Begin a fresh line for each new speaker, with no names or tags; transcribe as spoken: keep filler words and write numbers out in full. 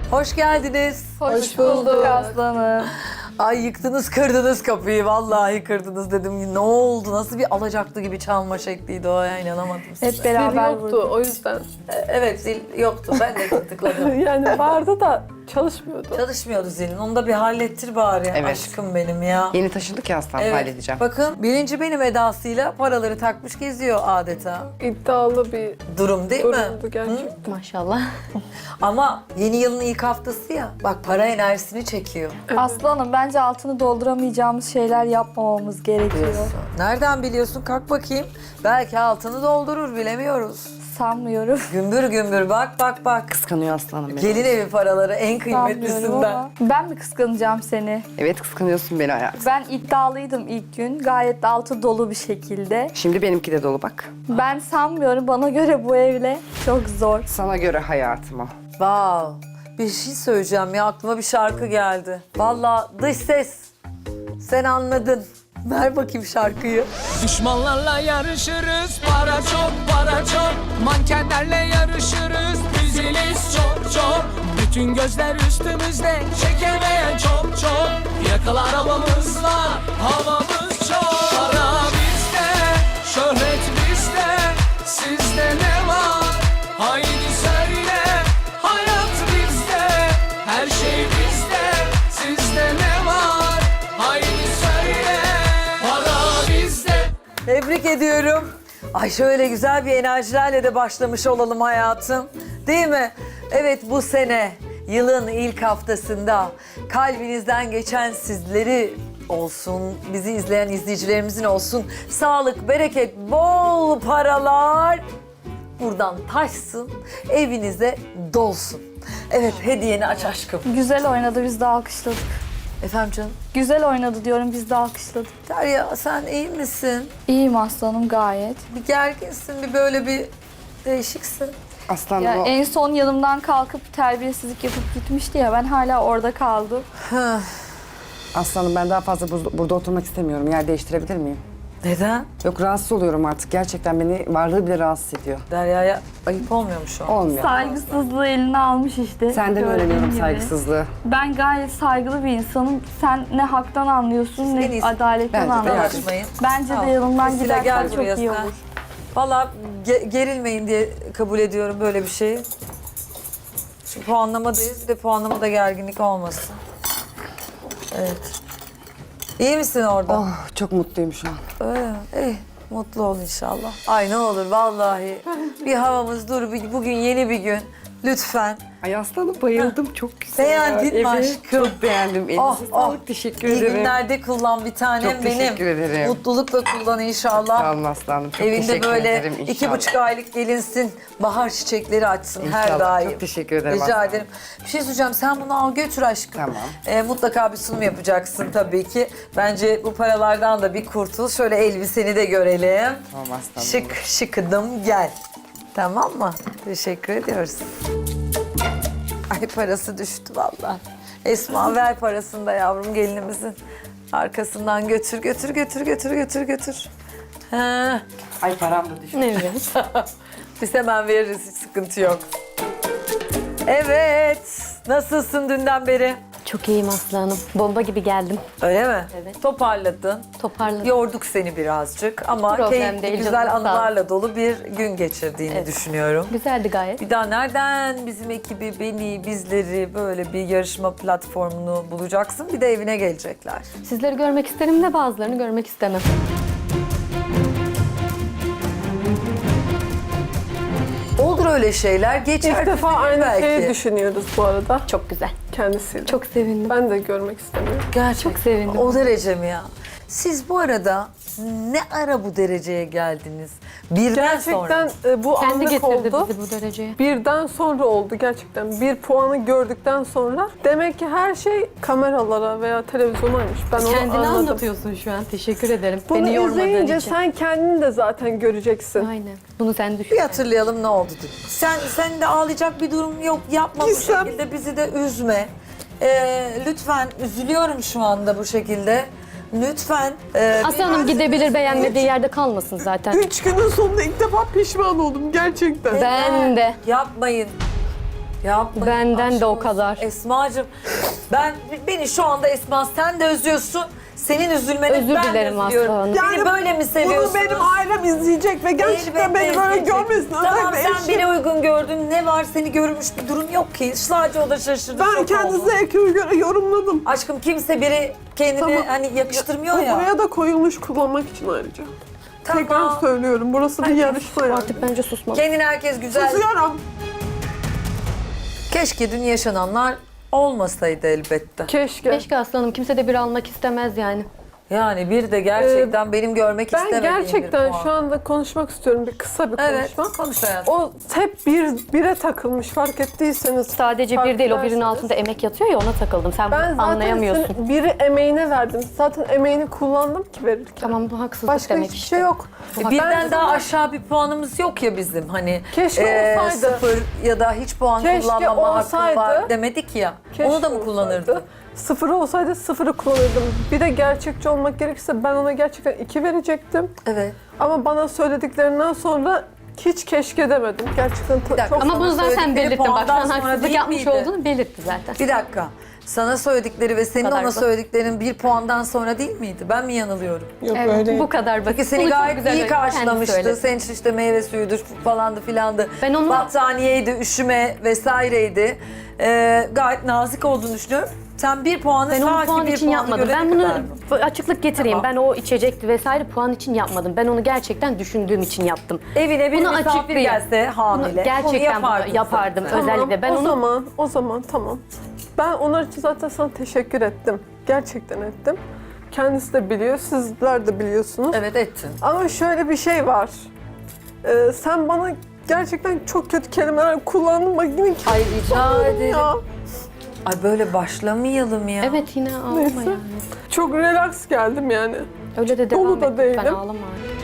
Hoş geldiniz.
Hoş bulduk
aslanım.
Ay yıktınız kırdınız kapıyı. Vallahi kırdınız dedim. Ne oldu? Nasıl bir alacaklı gibi çalma şekliydi o ya, inanamadım size.
Hep beraber
yoktu
vurduk.
o yüzden.
E, Evet zil yoktu. Ben de tıkladım.
Yani vardı da çalışmıyordu.
Çalışmıyordu zilin. Onu da bir hallettir bari.
Evet.
Aşkım benim ya.
Yeni taşındık ya aslan, halledeceğim.
Bakın birinci benim edasıyla paraları takmış geziyor adeta.
İddialı bir
Durum değil mi?
durumdu gerçekten.
Maşallah.
Ama yeni yılın ilk haftası ya. Bak para enerjisini çekiyor.
Aslanım bence altını dolduramayacağımız şeyler yapmamamız gerekiyor.
Nereden biliyorsun? Kalk bakayım. Belki altını doldurur, bilemiyoruz.
Sanmıyorum.
Gümbür gümbür bak bak bak.
Kıskanıyor aslanım beni.
Gelin evi paraları en
Sanmıyorum
kıymetlisinden.
ama. Ben mi kıskanacağım seni?
Evet, kıskanıyorsun beni hayatım.
Ben iddialıydım ilk gün. Gayet de altı dolu bir şekilde.
Şimdi benimki de dolu bak.
Ben sanmıyorum. Bana göre bu evle çok zor.
Sana göre hayatım o.
Wow. Bir şey söyleyeceğim ya, aklıma bir şarkı geldi. Vallahi dış ses. Sen anladın. Ver bakayım şarkıyı.
Düşmanlarla yarışırız, para çok para çok. Mankenlerle yarışırız, diziliz çok çok. Bütün gözler üstümüzde, çekemeyen çok çok. Yakalı arabamız var, havamız çok. Para bizde, şöhret bizde, sizde ne var? Haydi söyle, hayat bizde, her şey bizde, sizde ne var? Haydi söyle, para bizde.
Tebrik ediyorum. Ay şöyle güzel bir enerjilerle de başlamış olalım hayatım. Değil mi? Evet, bu sene yılın ilk haftasında kalbinizden geçen sizleri olsun, bizi izleyen izleyicilerimizin olsun. Sağlık, bereket, bol paralar buradan taşsın, evinize dolsun. Evet, hediyeni aç aşkım.
Güzel oynadı, biz de alkışladık.
Efendim canım?
Güzel oynadı diyorum, biz de alkışladık.
Derya sen iyi misin?
İyiyim aslanım gayet.
Bir gerginsin, bir böyle bir değişiksin.
Aslanım
Ya
o.
en son yanımdan kalkıp terbiyesizlik yapıp gitmişti ya, ben hala orada kaldım.
Aslanım ben daha fazla buz- burada oturmak istemiyorum. Yer değiştirebilir miyim?
Neden?
Yok, rahatsız oluyorum artık. Gerçekten beni varlığı bile rahatsız ediyor.
Derya'ya ayıp olmuyor mu şu an?
Olmuyor.
Saygısızlığı eline almış işte.
Senden
gördüğün
öğreniyorum
gibi.
saygısızlığı.
Ben gayet saygılı bir insanım. Sen ne haktan anlıyorsun
en
ne
iyisi
adaletten
bence de
anlıyorsun.
Dalaşmayın.
Bence
Tamam.
de yanımdan
Priscilla,
gidersen
gel
çok
buraya
iyi
sen.
olur.
Valla ge- gerilmeyin diye kabul ediyorum böyle bir şeyi. Çünkü puanlamadayız, bir de puanlamada gerginlik olmasın. Evet. İyi misin orada?
Oh, çok mutluyum şu an.
Öyle mi? İyi. Mutlu ol inşallah. Ay ne olur vallahi. Bir havamız dur, bir- bugün yeni bir gün. Lütfen.
Ay aslanım bayıldım, çok güzel.
Beğendin mi
Evet,
aşkım?
çok beğendim. Elinize
Oh,
sağlık,
oh.
teşekkür
İyi
ederim.
günlerde kullan bir tanem
Çok
benim.
teşekkür ederim.
Mutlulukla kullan inşallah.
Sağ olun aslanım, çok
Evinde
teşekkür
böyle
ederim inşallah.
iki buçuk aylık gelinsin, bahar çiçekleri açsın her
İnşallah,
daim.
çok teşekkür ederim
Rica
aslanım.
ederim. Bir şey söyleyeceğim, sen bunu al götür aşkım.
Tamam.
Ee, mutlaka bir sunum yapacaksın tabii ki. Bence bu paralardan da bir kurtul. Şöyle elbiseni de görelim.
Tamam aslanım.
Şık şıkıdım gel. Tamam mı? Teşekkür ediyoruz. Ay parası düştü vallahi. Esma ver parasını da yavrum gelinimizin. Arkasından götür götür götür götür götür götür. Ha.
Ay param da düştü.
Evet.
Biz hemen veririz, hiç sıkıntı yok. Evet. Nasılsın dünden beri?
Çok iyiyim aslanım. Bomba gibi geldim.
Öyle mi?
Evet.
Toparladın.
Toparladım.
Yorduk seni birazcık ama
Problem
keyifli,
değil,
güzel
canım, sağ ol.
anılarla dolu bir gün geçirdiğini
Evet.
düşünüyorum.
Güzeldi gayet.
Bir daha nereden bizim ekibi, beni, bizleri böyle bir yarışma platformunu bulacaksın? Bir de evine gelecekler.
Sizleri görmek isterim de bazılarını görmek istemem.
Olur öyle şeyler. Geçer.
İlk defa aynı
belki.
şeyi düşünüyoruz bu arada
Çok güzel.
kendisiyle.
Çok sevindim.
Ben de görmek istemiyorum.
Gerçekten.
Çok sevindim.
O derece mi ya? Siz bu arada ne ara bu dereceye geldiniz? Birden
Gerçekten
sonra.
e, bu
Kendi
anlık
getirdi
oldu.
bizi bu dereceye.
Birden sonra oldu gerçekten. Bir puanı gördükten sonra demek ki her şey kameralara veya televizyonaymış. Ben onu
Kendini
anladım.
anlatıyorsun şu an. Teşekkür ederim.
Bunu
Beni yormadığın
izleyince
için.
sen kendini de zaten göreceksin.
Aynen. Bunu sen düşün.
Bir hatırlayalım ne oldu dedim. Sen, sen de ağlayacak bir durum yok. Yapma bu
Gizem.
şekilde. Bizi de üzme. Ee, lütfen, üzülüyorum şu anda bu şekilde. Lütfen. Ee,
Aslanım
bir-
gidebilir, beğenmediği yerde kalmasın zaten.
Üç günün sonunda ilk defa pişman oldum gerçekten.
Ben de.
Yapmayın. Yapma.
Benden
aşk
de o
olsun.
kadar.
Esma'cığım ben beni şu anda Esma sen de özlüyorsun. Senin üzülmeni
Özür
ben
dilerim
de üzülüyorum.
Aslı Hanım.
Beni böyle mi seviyorsunuz?
Bunu benim ailem izleyecek ve gerçekten
Elbette
beni böyle
izleyecek.
görmesin.
Tamam
Özellikle
sen
eşim.
beni uygun gördün. Ne var seni görmüş bir durum yok ki. Sadece o da şaşırdı.
Ben
şok
kendi
oldu.
zevkime göre yorumladım.
Aşkım kimse biri kendini
Tamam.
hani yakıştırmıyor
Bu
ya.
buraya da koyulmuş kullanmak için ayrıca.
Tamam.
Tekrar söylüyorum. Burası bir yarışma yani.
Artık bence susmalı.
Kendini herkes güzel.
Susuyorum.
Keşke dün yaşananlar olmasaydı elbette.
Keşke.
Keşke Aslı Hanım kimse de bir almak istemez yani.
Yani bir de gerçekten benim görmek
Ben
istemediğim bir
gerçekten
puan.
şu anda konuşmak istiyorum. Bir kısa bir
Evet,
konuşma.
konuş hayatım.
O hep bir bire takılmış fark ettiyseniz.
Sadece bir değil o birinin altında emek yatıyor ya ona takıldım. Sen
Ben
bunu
zaten
anlayamıyorsun.
senin biri emeğine verdim. Zaten emeğini kullandım ki verirken.
Tamam bu haksızlık
Başka
demek
hiçbir
işte.
şey yok.
E,
Ben
Birden daha
sana-
aşağı bir puanımız yok ya bizim hani.
Keşke
e,
olsaydı.
Sıfır ya da hiç puan
Keşke
kullanmama hakkım
olsaydı.
var demedik ya.
Keşke
Onu da mı
olsaydı.
kullanırdın?
Sıfır olsaydı sıfırı kullanırdım. Bir de gerçekçi olmak gerekirse ben ona gerçekten iki verecektim.
Evet.
Ama bana söylediklerinden sonra hiç keşke demedim. Gerçekten ta-
dakika.
çok...
Ama bunu zaten
Söyledikleri
belirttin. Bak şu
puandan
an
sonra
haksızlık
değil
yapmış
miydi?
olduğunu belirtti zaten.
Bir dakika. Sana söyledikleri ve senin
kadar
ona
basit.
söylediklerin bir puandan sonra değil miydi? Ben mi yanılıyorum?
Yok
Evet,
öyle.
bu kadar basit.
Çünkü seni
Bunu çok
gayet
güzel
iyi
kendi
karşılamıştı.
söyledi.
Senin için işte meyve suyudur falandı filandı.
Ben onu-
Battaniyeydi, üşüme vesaireydi. Ee, gayet nazik olduğunu düşünüyorum. Sen bir puanı
Ben onu
sanki
puan
bir
için
puanı
yapmadım.
görene
Ben bunu
kadar mı?
açıklık getireyim.
Tamam.
Ben o içecekti vesaire puan için yapmadım. Ben onu gerçekten düşündüğüm için yaptım.
Evine bir
Bunu
misafir
açıklayayım.
gelse hamile.
Bunu gerçekten
yapardın
yapardım.
sen.
Özellikle ben
o
onu-
zaman, o zaman tamam. Ben onlar için zaten sana teşekkür ettim. Gerçekten ettim. Kendisi de biliyor, sizler de biliyorsunuz.
Evet ettin.
Ama şöyle bir şey var. Ee, sen bana gerçekten çok kötü kelimeler kullandın. Bak yine
Ay rica ederim.
ya.
Ay böyle başlamayalım ya.
Evet yine ağlama
Neyse.
yani.
Çok relax geldim yani.
Öyle de
Dolu
devam
da
et. Ben
değilim.
ağlama artık.